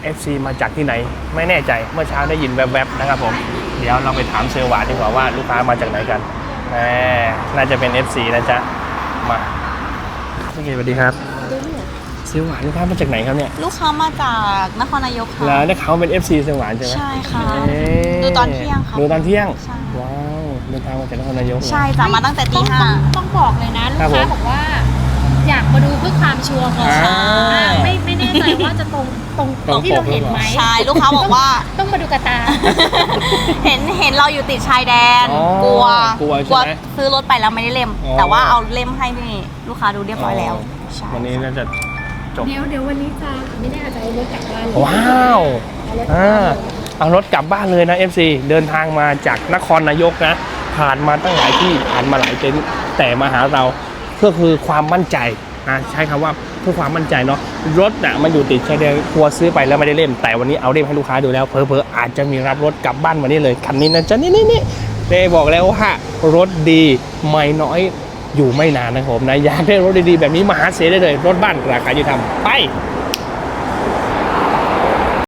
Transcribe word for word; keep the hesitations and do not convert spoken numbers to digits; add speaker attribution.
Speaker 1: เอฟ ซี มาจากที่ไหนไม่แน่ใจเมื่อเช้าได้ยินแวบๆนะครับผมเดี๋ยวเราไปถามเซลล์หวานดีกว่าว่าลูกค้ามาจากไหนกันแหมน่าจะเป็น เอฟ ซี นะจ๊ะมาพี่เกศสวัสดีครับเซลล์หวานลูกค้ามาจากไหนครับเนี่ย
Speaker 2: ลูกค้ามาจากนครนายกค่ะ
Speaker 1: แล้วได้เขาเป็น เอฟ ซี เซลล์หวานใช่ไหม
Speaker 2: ใช่ค่ะดูตอนเที่ยงค่ะ
Speaker 1: ดูตอนเที่ยง
Speaker 2: ใช่
Speaker 1: ว้าวเดินทางมาจากนครนายก
Speaker 2: ใช่จ้ะมาตั้งแต่ตีห้า
Speaker 3: ต้องบอกเลยนะลูกค้าบอกว่าอยากมาดูเพื่อความชัวร์ก่อนไม่ไม่แน่ใจว่าจะตรงตรงตรงที่เราเห็นไหม
Speaker 2: ใช่ลูกค้าบอกว่า
Speaker 3: ต้องมาดูกระตา
Speaker 2: เห็นเห็นเราอยู่ติดชายแดนกลัว
Speaker 1: กลัว
Speaker 2: กลัวซื้อรถไปแล้วไม่ได้เล่มแต่ว่าเอาเล่มให้พี่ลูกค้าดูเรียบร้อยแล้ว
Speaker 1: วันนี้น่าจะจบ
Speaker 3: เดี๋ยวเดี๋ยววันนี้จะไม่แน่อาจจะเอารถกลับบ้าน
Speaker 1: ว้าวอ่าเอารถกลับบ้านเลยนะ เอฟ ซี เดินทางมาจากนครนายกนะผ่านมาตั้งหลายที่ผ่านมาหลายเต็นท์แต่มาหาเราเพื่อคือความมั่นใจนะใช้คำว่าเพื่อความมั่นใจเนาะรถน่ะมันอยู่ติดชายแดนกลัวซื้อไปแล้วไม่ได้เล่มแต่วันนี้เอาเล่มให้ลูกค้าดูแล้วเพอเพออาจจะมีรับรถกลับบ้านวันนี้เลยคันนี้นะจ๊ะนี่นี่นี่เด้บอกแล้วว่ารถดีไม่น้อยอยู่ไม่นานนะครับผมนะอยากได้รถดีๆแบบนี้มาหาเสียได้เลยรถบ้านราคายุติธรรมไป